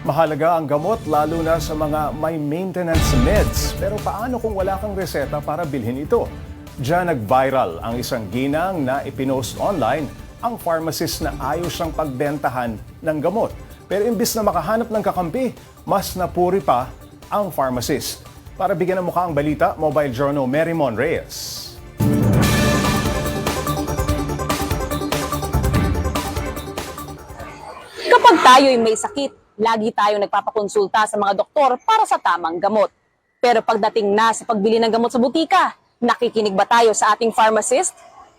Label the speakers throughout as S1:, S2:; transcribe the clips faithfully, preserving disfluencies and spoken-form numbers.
S1: Mahalaga ang gamot lalo na sa mga may maintenance meds. Pero paano kung wala kang reseta para bilhin ito? Diyan nag-viral ang isang ginang na ipinost online ang pharmacist na ayos siyang pagbentahan ng gamot. Pero imbis na makahanap ng kakampi, mas napuri pa ang pharmacist. Para bigyan ng mukha ang balita, Mobile Journal Mary Mon Reyes.
S2: Kapag tayo'y may sakit, lagi tayong nagpapakonsulta sa mga doktor para sa tamang gamot. Pero pagdating na sa pagbili ng gamot sa butika, nakikinig ba tayo sa ating pharmacist?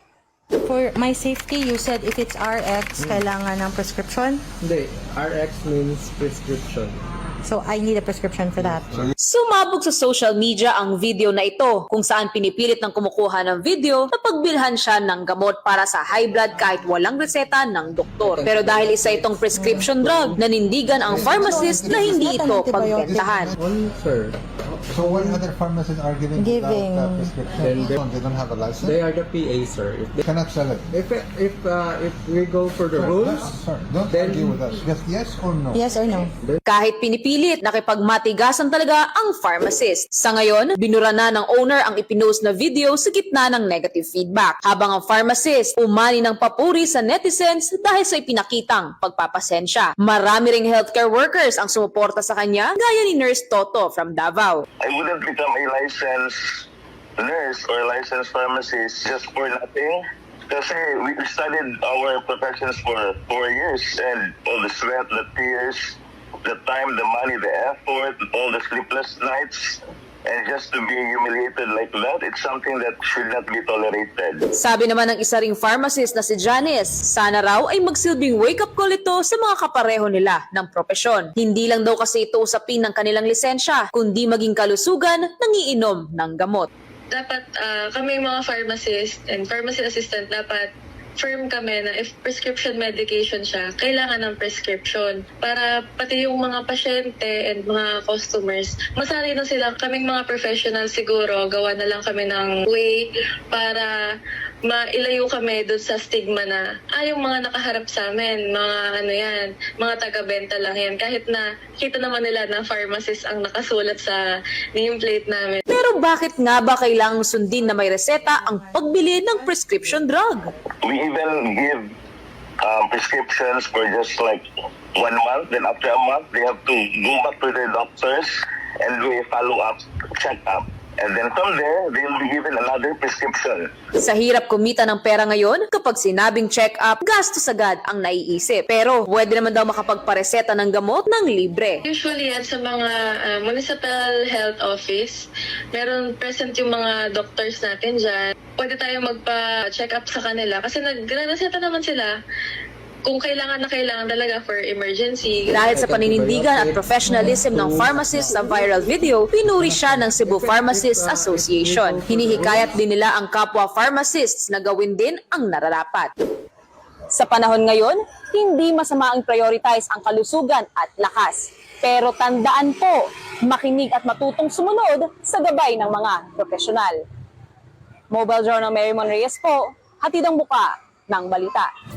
S3: For my safety, you said if it's R X, kailangan ng prescription?
S4: Hindi, R X means prescription.
S3: So I need a prescription for that.
S2: Sumabog sa social media ang video na ito kung saan pinipilit ng kumukuha ng video na pagbilhan siya ng gamot para sa high blood kahit walang reseta ng doktor. Pero dahil isa itong prescription drug, nanindigan ang pharmacist na hindi ito pagbentahan.
S4: On, sir.
S5: So what other pharmacies are giving,
S3: Giving.
S5: without uh, prescription?
S4: Then
S5: They don't, they don't have a license?
S4: They are the P A, sir. If
S5: They
S4: they,
S5: cannot sell it.
S4: if if uh, if we go for the
S5: Sir,
S4: rules,
S5: no, sir, don't
S4: then-
S5: argue with us. Just yes or no?
S3: Yes or no?
S2: Kahit pinipilit, nakipagmatigasan talaga ang pharmacist. Sa ngayon, binura na ng owner ang ipinost na video sa gitna ng negative feedback. Habang ang pharmacist umani ng papuri sa netizens dahil sa ipinakitang pagpapasensya. Marami ring healthcare workers ang sumuporta sa kanya, gaya ni Nurse Toto from Davao.
S6: I wouldn't become a licensed nurse or licensed pharmacist just for nothing. Kasi we studied our professions for four years and all the sweat, the tears, the time, the money, the effort, all the sleepless nights. And just to be humiliated like that, it's something that should not be tolerated.
S2: Sabi naman ng isa ring pharmacist na si Janice, sana raw ay magsilbing wake-up call ito sa mga kapareho nila ng propesyon. Hindi lang daw kasi ito usapin ng kanilang lisensya, kundi maging kalusugan ng iinom ng gamot.
S7: Dapat uh, kami mga pharmacist and pharmacy assistant, dapat firm kami na if prescription medication siya, kailangan ng prescription para pati yung mga pasyente and mga customers, masanay na sila. Kaming mga professional siguro, gawa na lang kami ng way para mailayo kami doon sa stigma na, ah, yung mga nakaharap sa amin, mga ano yan, mga taga-benta lang yan. Kahit na kita naman nila na pharmacist ang nakasulat sa nameplate namin.
S2: Pero bakit nga ba kailangang sundin na may reseta ang pagbili ng prescription drug?
S6: We even give um, prescriptions for just like one month. Then after a month, they have to go back to their doctors and do a follow-up check-up. And then from there, they will be given another prescription.
S2: Sa hirap kumita ng pera ngayon, kapag sinabing check-up, gastos agad ang naiisip. Pero pwede naman daw makapagpareseta ng gamot ng libre.
S7: Usually yan sa mga uh, municipal health office, meron present yung mga doctors natin dyan. Pwede tayo magpa-check up sa kanila kasi nagre-reseta naman sila kung kailangan na kailangan talaga for emergency.
S2: Dahil sa paninindigan at professionalism ng pharmacist sa viral video, pinuri siya ng Cebu Pharmacists Association. Hinihikayat din nila ang kapwa pharmacists na gawin din ang nararapat. Sa panahon ngayon, hindi masama ang prioritize ang kalusugan at lakas. Pero tandaan po, makinig at matutong sumunod sa gabay ng mga profesional. Mobile Journal Mary Mon Reyes po, hatid ang buka ng balita.